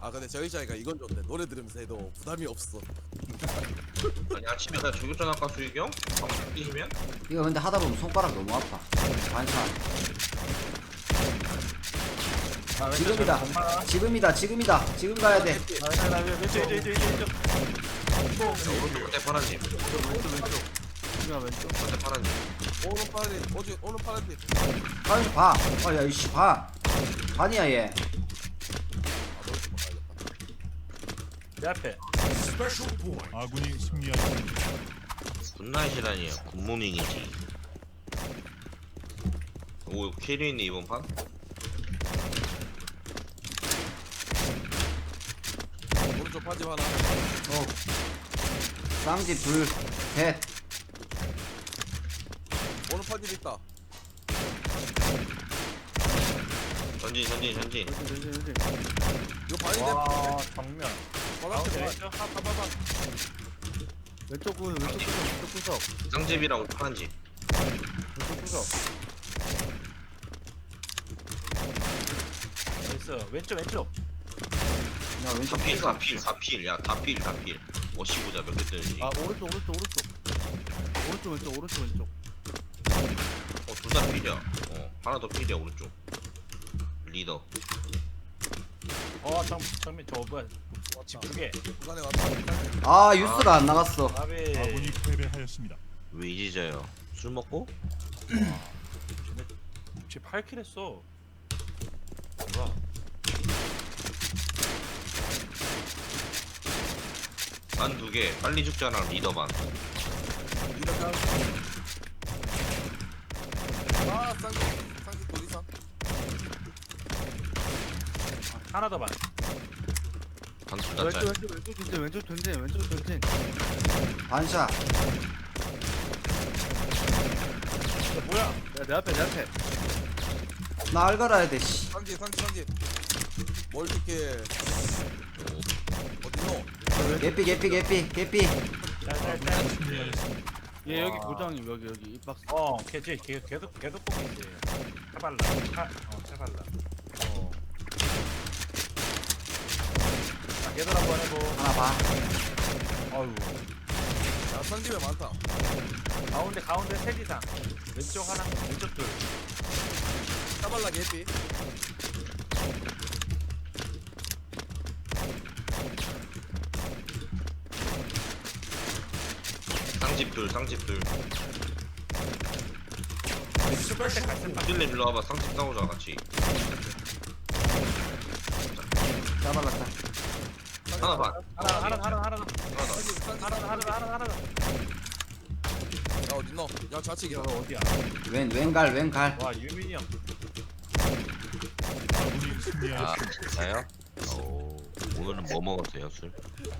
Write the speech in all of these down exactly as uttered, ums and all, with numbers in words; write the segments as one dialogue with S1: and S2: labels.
S1: 아 근데 저희 자이가 이건 좋대. 노래 들으면서 해도 부담이 없어.
S2: 아니 아침에 나 저격전 할까 수익이 형? 방송 뛰시면?
S3: 이거 근데 하다 보면 손가락 너무 아파. 반찬.
S4: 아,
S3: 지금이다. 지금이다. 지금이다. 지금 가야 돼.
S4: 나, 나, 왼쪽, 왼쪽, 왼쪽, 왼쪽.
S2: 자, 오른쪽 끝에 파란집
S4: 왼쪽, 왼쪽, 왼쪽. 지금 왼쪽.
S2: 끝에 파란집
S1: 오른 파란디 오지 오른 파란디.
S3: 반찬 봐. 아, 야, 이씨 반. 반이야 얘.
S1: 아 노래 좀 바꿔야겠다.
S4: 내 앞에.
S5: 아군이 승리하였습니다.
S2: 굿나잇이라니요 굿모닝이지. 오 캐리했네 이번 판?
S1: 오른쪽 파집 하나.
S3: 어. 쌍집 둘, 셋.
S1: 오른 파집 있다.
S2: 전진 전진 전진.
S4: 왼쪽, 왼쪽, 왼쪽.
S1: 이거 파인데.
S4: 와, 정면.
S1: 바닥에
S4: 가운데
S1: 봐.
S4: 왼쪽.
S1: 봐봐봐.
S4: 왼쪽 군, 왼쪽 구석, 왼쪽 구석.
S2: 쌍집이랑 파란집.
S4: 왼쪽 구석. 나이스. 왼쪽, 왼쪽.
S3: 야, 왼쪽
S2: 다필
S3: 피가
S2: 다필 다필 야 다필 다필. 어시 보자 몇 개 뜨는지.
S4: 아, 오른쪽, 오른쪽, 오른쪽. 오른쪽, 왼쪽, 오른쪽, 왼쪽.
S2: 어둘 다 필이야. 어 하나 더 필이야 오른쪽. 리더.
S4: 어, 정, 정면 저 뭐야? 집 두 개.
S1: 중간에 왔다.
S3: 아, 유스가 안 나갔어.
S4: 아베.
S5: 아군이 패배하였습니다.
S2: 왜 이지자요? 술 먹고?
S4: 쟤 팔 킬 했어. 뭐야?
S2: 반 두 개. 빨리 죽자랑 리더 반.
S1: 이렇게 하고. 아 쌍기 쌍기 둘 이상.
S4: 하나 더 반.
S2: 반둘 다
S4: 왼쪽,
S2: 짤.
S4: 왼쪽, 왼쪽 전진, 왼쪽 전진, 왼쪽 전진.
S3: 반샷.
S4: 야, 뭐야? 야, 내 앞에, 내 앞에.
S3: 나 알갈아야 돼, 씨.
S1: 쌍기 쌍기 쌍기. 뭘 이렇게 어디노?
S3: 개피, 개피, 개피, 개피.
S4: 짤짤짤.
S5: 승리하였습니다.
S6: 얘 여기
S4: 와.
S6: 고정이 여기 여기 이 박스.
S4: 어, 걔지 걔 계속 계속 보고 있지. 차발라. 차, 어, 차발라. 어. 자, 걔들 한번 해보.
S3: 하나 봐.
S4: 아유.
S1: 야 쌍집에 많다.
S4: 가운데 가운데 셋 이상. 왼쪽 하나, 왼쪽 둘.
S1: 까발라 개피.
S2: 쌍집 둘 쌍집 둘.
S4: 슈퍼 때 같은 방.
S2: 딜레 일로 와봐. 쌍집 싸우자 같이.
S3: 잡아갔다.
S2: 하나 반.
S4: 하나 하나 하나 하나
S2: 하나 더.
S1: 쌍집 쌍집.
S4: 하나 하나 하나 하나 하나.
S1: 야 어딨노? 야 좌측이야.
S4: 이거 어디야?
S3: 왼, 왼갈, 왼갈.
S4: 와 유민이 형.
S5: 아군이
S2: 아
S5: 승리하였습니다.
S2: 진짜요? 오 오늘은 뭐 먹었어요 술?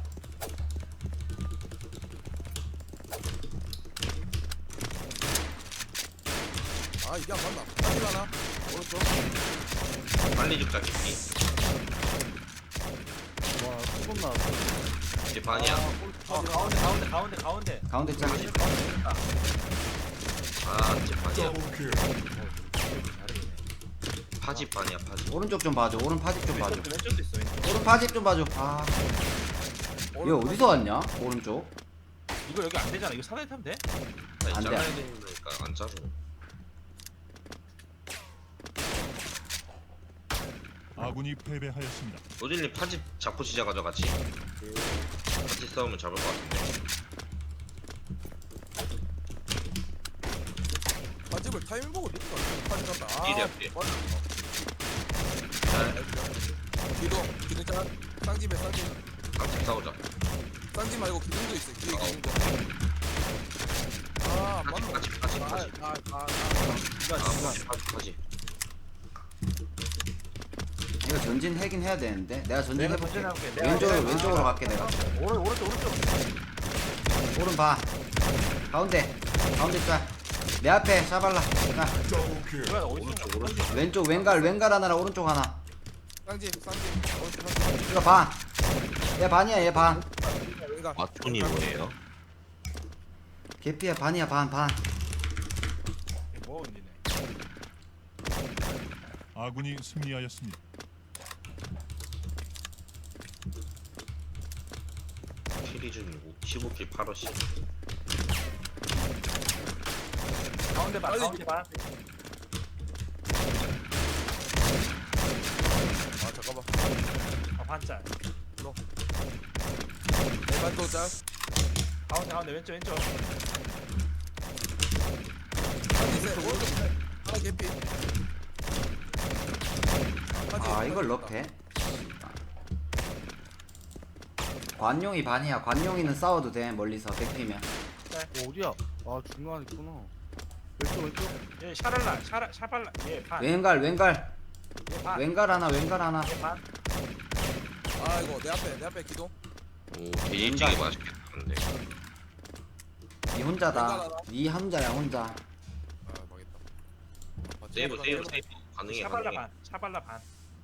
S1: 아 이게 안 맞나? 파집 하나. 오른쪽.
S2: 빨리 죽자 깊이.
S6: 와 수분 나왔어.
S2: 이제 반이야.
S4: 어 가운데 가운데 가운데 가운데.
S3: 가운데 짱.
S2: 아 이제 반이야.
S4: 잘해.
S2: 파집 반이야 파집.
S3: 오른쪽 좀 봐줘. 오른 파집 좀 봐줘.
S4: 왼쪽도 왼쪽도 있어 왼쪽.
S3: 오른 파집 좀 봐줘. 아. 얘 어디서 왔냐? 오른쪽.
S4: 이거 여기 안 되잖아. 이거 사다리 타면 돼?
S2: 아니
S3: 안 돼.
S2: 잘라야 되니까 안 짜고.
S5: 아군이 패배하였습니다.
S2: 노딜님 파집 잡고 시작하자 같이. 같이 싸우면 잡을 것 같은데.
S1: 파집을 타이밍 보고 늦다. 파집 간다. 아.
S2: 뒤에 앞에.
S1: 맞다.
S2: 잘
S1: 뒤도 기둥 짜. 쌍집에 쌍집.
S2: 같이 싸우자.
S1: 쌍집 말고 기둥도 있어. 뒤에
S2: 어.
S1: 기둥도. 아
S2: 파집
S1: 맞나?
S2: 파집 파집 파집.
S1: 아아아 아.
S2: 아 파집 파집 파집.
S3: 이거 전진 해긴 해야 되는데. 내가 전진
S4: 내가
S3: 해볼게.
S4: 전진해볼게. 내가
S3: 왼쪽으로,
S4: 내가-
S3: 왼쪽으로 갈게, 내가.
S4: 오른 오른쪽 오른쪽.
S3: 오른 봐. 가운데. 가운데 짤. 내 앞에 샤발라. 자,
S4: 뭐야 어디
S2: 오른쪽 오른쪽.
S3: 왼쪽 왼갈, 왼갈 하나랑 오른쪽 하나.
S1: 쌍집 쌍집. 오른쪽 쌍집.
S3: 이거 반. 얘 반이야, 얘 반.
S1: 왼각.
S2: 마톤이 뭐예요?
S3: 개피야, 반이야, 반, 반.
S4: 뭐 언니네.
S5: 아군이 승리하였습니다.
S2: 기준이고 십오 킬 팔 어시.
S4: 가운데 봐
S1: 빨리
S4: 가운데 봐
S1: 아 잠깐만.
S4: 어, 반짝
S1: 내발 또 짤.
S4: 가운데 가운데 왼쪽 왼쪽
S1: 파지 세. 오른쪽. 하나 개피. 파지,
S3: 아
S1: 파지
S3: 이걸
S1: 있다.
S3: 럽해? 관용이 반이야. 관용이는 싸워도 돼 멀리서 백피면.
S6: 어, 어디야? 아 중간에 있구나. 왼쪽 왼쪽.
S4: 얘 샤랄라 샤라 샤발라 얘반
S3: 왼갈 왼갈
S4: 얘반
S3: 왼갈 하나 왼갈 하나.
S4: 얘반
S1: 아 이거 내 앞에 내 앞에 기동.
S2: 오 개인적이 맛있겠다 근데.
S3: 니 혼자다. 니 혼자야 혼자.
S1: 아 망했다. 아,
S2: 세이브
S1: 제발,
S2: 세이브
S1: 제발.
S2: 세이브 가능해
S4: 샤발라
S2: 가능해.
S4: 반 샤발라 반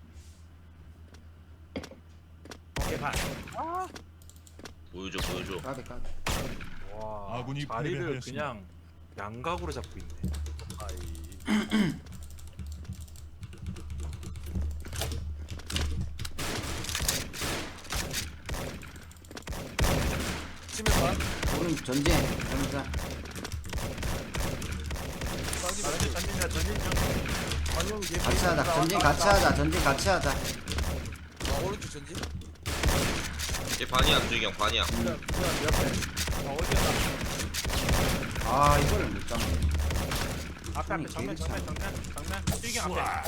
S4: 오케이 반
S2: 보여줘 보여줘.
S3: 까비 까비.
S4: 와,
S5: 아군이
S4: 자리를
S5: 패배하였습니다.
S4: 그냥 양각으로 잡고 있네.
S1: 아이. 치면 반.
S3: 오른 전진 혼자.
S1: 쌍지
S4: 자,
S1: 반.
S4: 전진 전진이야 전진 전.
S1: 관용 개피.
S3: 같이 하자. 전진 같이 하자. 전진 같이 하자.
S1: 아 오른쪽 전진.
S2: 얘 반이야 안주경 반이야.
S1: 그냥 그냥 내 앞에.
S4: 어, 어디야?
S3: 아 이거를 못 잡네.
S4: 앞에 앞에 정면 정면 정면 정면 뛰기 앞에.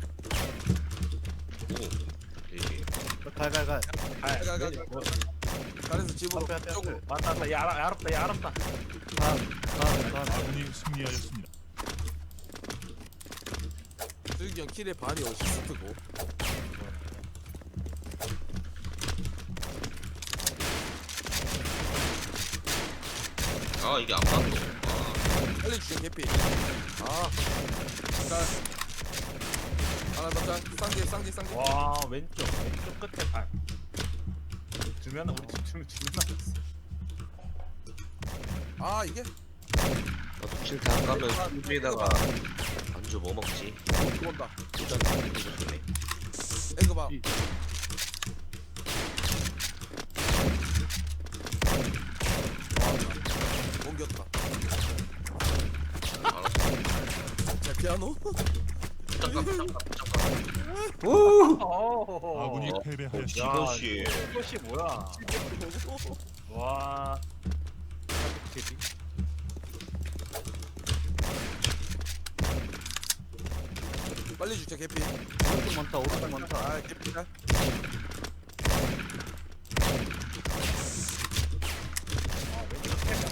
S2: 오 되게.
S6: 갈갈갈.
S4: 아,
S1: 가, 가, 가.
S4: 뭐,
S1: 잘해서 집으로.
S6: 앞에 앞에
S1: 쪽으로.
S6: 앞에.
S4: 왔다 왔다. 야 알아 알았다 야 알았다.
S6: 반반
S5: 아군이 승리하였습니다.
S1: 수익이 형 킬의 반이 어시스트고.
S2: 아 이게 안 맞노. 아
S1: 살려주죠 개피. 아. 짤. 하나 더 짤. 쌍지 쌍지 쌍지.
S4: 와 왼쪽 왼쪽 끝에 반. 두면 우리 지금 두면
S1: 아 이게
S2: 나도 킬다 까면 위에다가 안주 뭐 먹지?
S1: 들어온다.
S2: 일단 이거 좋네.
S1: 에그 봐.
S6: 이.
S1: 와, 옮겼다.
S2: 알았어.
S1: 자 피아노.
S2: 잠깐 잠깐 잠깐.
S3: 오.
S4: 어.
S5: 아군이
S2: 어.
S5: 패배하였습니다.
S2: 야, 이것이.
S4: 이것이 뭐야? 와. 데뷔.
S1: 빨리 주자 개피.
S6: 오른쪽 많다. 오른쪽 많다.
S1: 아 개피다.
S4: 아 왼쪽 패가.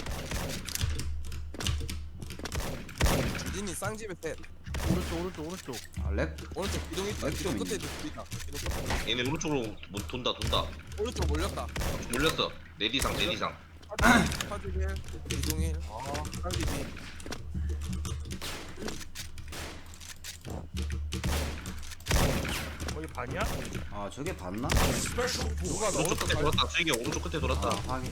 S1: 주진이 쌍집에 셋.
S6: 오른쪽 오른쪽 오른쪽.
S3: 아, 렉.
S1: 오른쪽 기둥 있다.
S3: 왼쪽
S1: 기둥 끝에
S3: 있네.
S1: 있다. 기둥 끝에.
S2: 얘네 오른쪽으로 뭐 돈다 돈다.
S1: 오른쪽 몰렸다.
S2: 몰렸어. 내리상 내리상.
S1: 파지 일, 기둥 일.
S4: 어.
S1: 쌍집이.
S4: 거기 반이야?
S3: 아 저게 봤나?
S1: 누가 나
S2: 오른쪽
S1: 오른쪽
S2: 끝에
S1: 갈.
S2: 돌았다. 수익이 형 오른쪽 끝에 돌았다.
S3: 아 확인.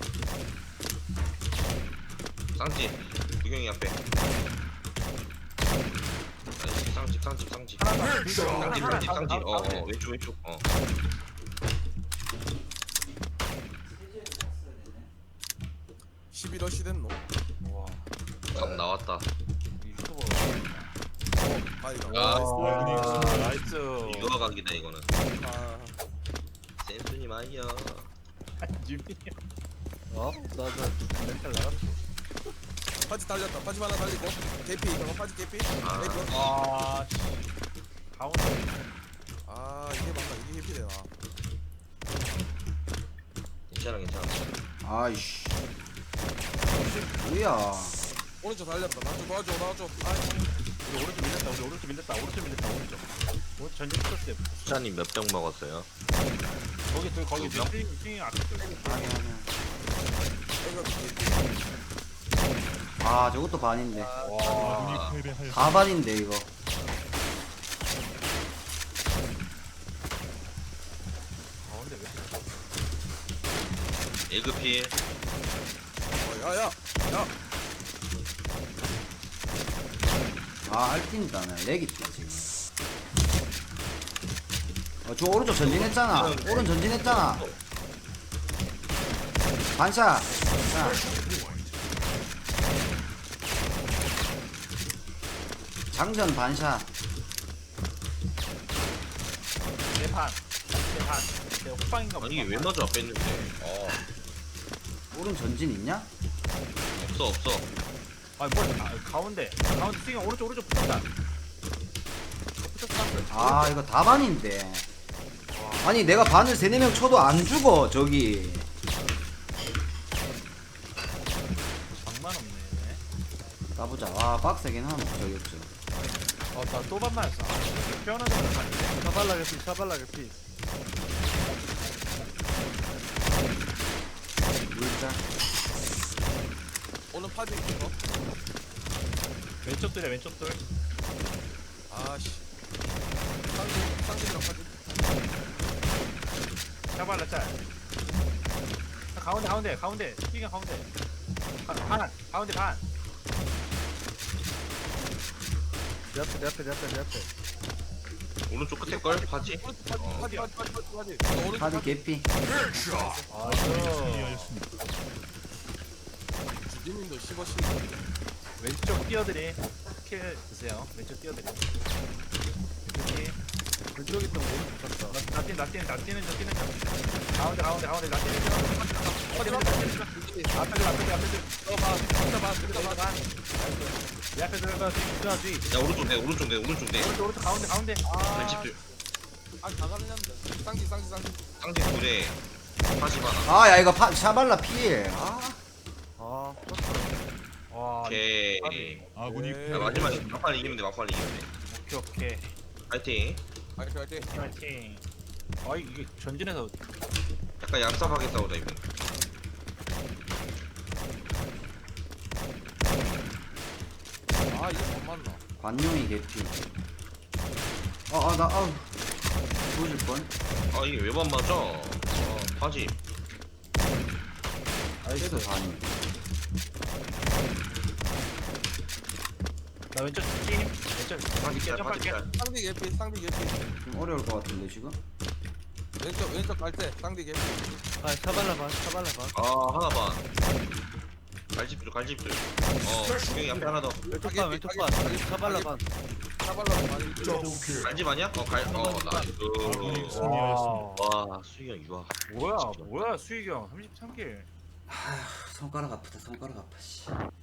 S2: 쌍지 구경이 앞에. 아이씨, 쌍지 쌍지 쌍지.
S4: 하나 더.
S2: 쌍지
S4: 하나,
S2: 쌍지
S4: 하나,
S2: 쌍지.
S4: 하나,
S2: 어
S4: 하나.
S2: 어 왼쪽 왼쪽. 어.
S1: 십일 어시 됐노.
S4: 와.
S2: 감 나왔다.
S4: 유튜버.
S1: 아이가.
S2: 아,
S4: 와, 나이스.
S2: 이거 각이다 이거는.
S1: 아.
S2: 센스님 아이야.
S4: 유미.
S6: 어? 나나 멘탈 나갔어.
S1: 파지 달렸다. 파지 하나 달리고. 개피. 저거 파지 개피.
S2: 아.
S1: 에그.
S4: 와. 씨. 가운데.
S1: 아 이게 맞다. 이게 개피되나.
S2: 괜찮아 괜찮아.
S3: 아이씨. 뭐야?
S1: 오른쪽 달렸다. 나좀 도와줘. 도와줘. 아.
S4: 우리 오른쪽 밀렸다. 우리 오른쪽 밀렸다. 오른쪽 밀렸다. 오른쪽. 오른쪽 전진 풀었어요.
S2: 수찬님 몇 병 먹었어요?
S4: 거기 둘 거기
S2: 두 명?
S4: 둘. 띵, 띵 앞에 둘.
S3: 아니 아니야.
S1: 에그 개피.
S3: 아 저것도 반인데.
S4: 와.
S5: 아군이 패배하였습니다.
S3: 다 반인데 이거.
S4: 가운데 왜? 이렇게
S2: 에그필.
S1: 어, 야야. 야.
S3: 아 알틴다네. 렉 있다 지금. 어저 오른쪽 전진했잖아. 오른 전진했잖아. 반샷. 자. 장전 반샷.
S4: 내판 내판 내 호빵인가
S2: 아니 이게 왜 맞아 뺐는데 어
S3: 오른 전진 있냐?
S2: 없어 없어
S4: 아니 뭐 아, 가운데 가운데 스윙 오른쪽 오른쪽 붙었다 붙었어
S3: 아 이거 다 반인데. 아니 내가 반을 세네 명 쳐도 안 죽어 저기.
S4: 장만 없네
S3: 까보자. 와 빡세긴 하네 저기 없죠.
S4: 어나또 반만했어 피어나는 거 아닌데
S6: 샤발라 개피 샤발라 개피.
S3: 물자.
S1: 오늘 파지 이거.
S4: 왼쪽 돌이야 왼쪽 돌
S1: 아씨. 쌍기 쌍기랑 파지.
S4: 샤발라 짤 아, 가운데 가운데 가운데 스윙 가운데 가, 반 가운데 반
S6: 내 앞에 내 앞에 내 앞에 내 앞에.
S2: 오른쪽 끝에 걸 파지
S1: 오른쪽 파지
S2: 어.
S1: 파지 파지 파지 파지 파지. 오른쪽
S3: 카드
S1: 파지.
S3: 개피.
S4: 아이고
S5: 승리하였습니다.
S1: 주진님도 씹어시.
S4: 왼쪽 뛰어들이 킬 드세요 왼쪽 뛰어들이 왼쪽 뛰
S6: 왼쪽에 있던 거 오른쪽 갔다.
S4: 나 뛰는 나 뛰는 나 뛰는 저 뛰는 저 가운데 가운데 가운데 나 뛰는 저 어디 어디 어디 어디 앞에 들 앞에 들 앞에 들
S1: 들어봐. 들어봐. 들어봐.
S4: 내 앞에 들어가 뒤 뒤 뒤
S2: 야 오른쪽 내 오른쪽 내 오른쪽 내
S4: 오른쪽 오른쪽 가운데 가운데
S1: 아.
S2: 왼집들
S1: 아 가가는데. 쌍기 쌍기 쌍기.
S2: 쌍지 둘에 파지 하나
S3: 아 야 이거 파, 샤발라 필. 아
S6: 아
S4: 와
S2: 오케이
S5: 아군이
S1: 네.
S2: 야, 마지막에 막판 이기면 돼 막판 이기면 돼
S4: 오케이 오케이
S2: 파이팅
S1: 화이팅 화이팅.
S4: 파이팅 아 이게 전진해서
S2: 약간 얌삽하게 싸우자 이번
S1: 아 이거 못 맞나?
S3: 관용이 개피. 어아나 아우 죽을 뻔.
S2: 아 이게 왜 안 맞아 아 파지
S3: 그래도 반이.
S4: 나 왼쪽 팀 왼쪽
S2: 파지
S4: 이렇게
S2: 짤 파지
S4: 점프할게
S2: 짤
S1: 쌍디 개피 쌍디 개피.
S3: 좀 어려울 것 같은데 지금.
S1: 왼쪽 왼쪽 갈 때 쌍디 개피.
S6: 아 샤발라 반 샤발라 반.
S2: 아 하나 반 갈집들 갈집들 어 구경이 앞에 하나 더
S6: 왼쪽 반 왼쪽 반. 샤발라 반.
S1: 사발로 많이.
S2: 갈집 아니야? 어갈어 나이스
S5: 아군이
S4: 와
S5: 승리하였습니다.
S2: 와 수익형 이거
S4: 뭐야 뭐야 수익이 형 삼십삼 킬
S3: 손가락 아프다 손가락 아파 씨.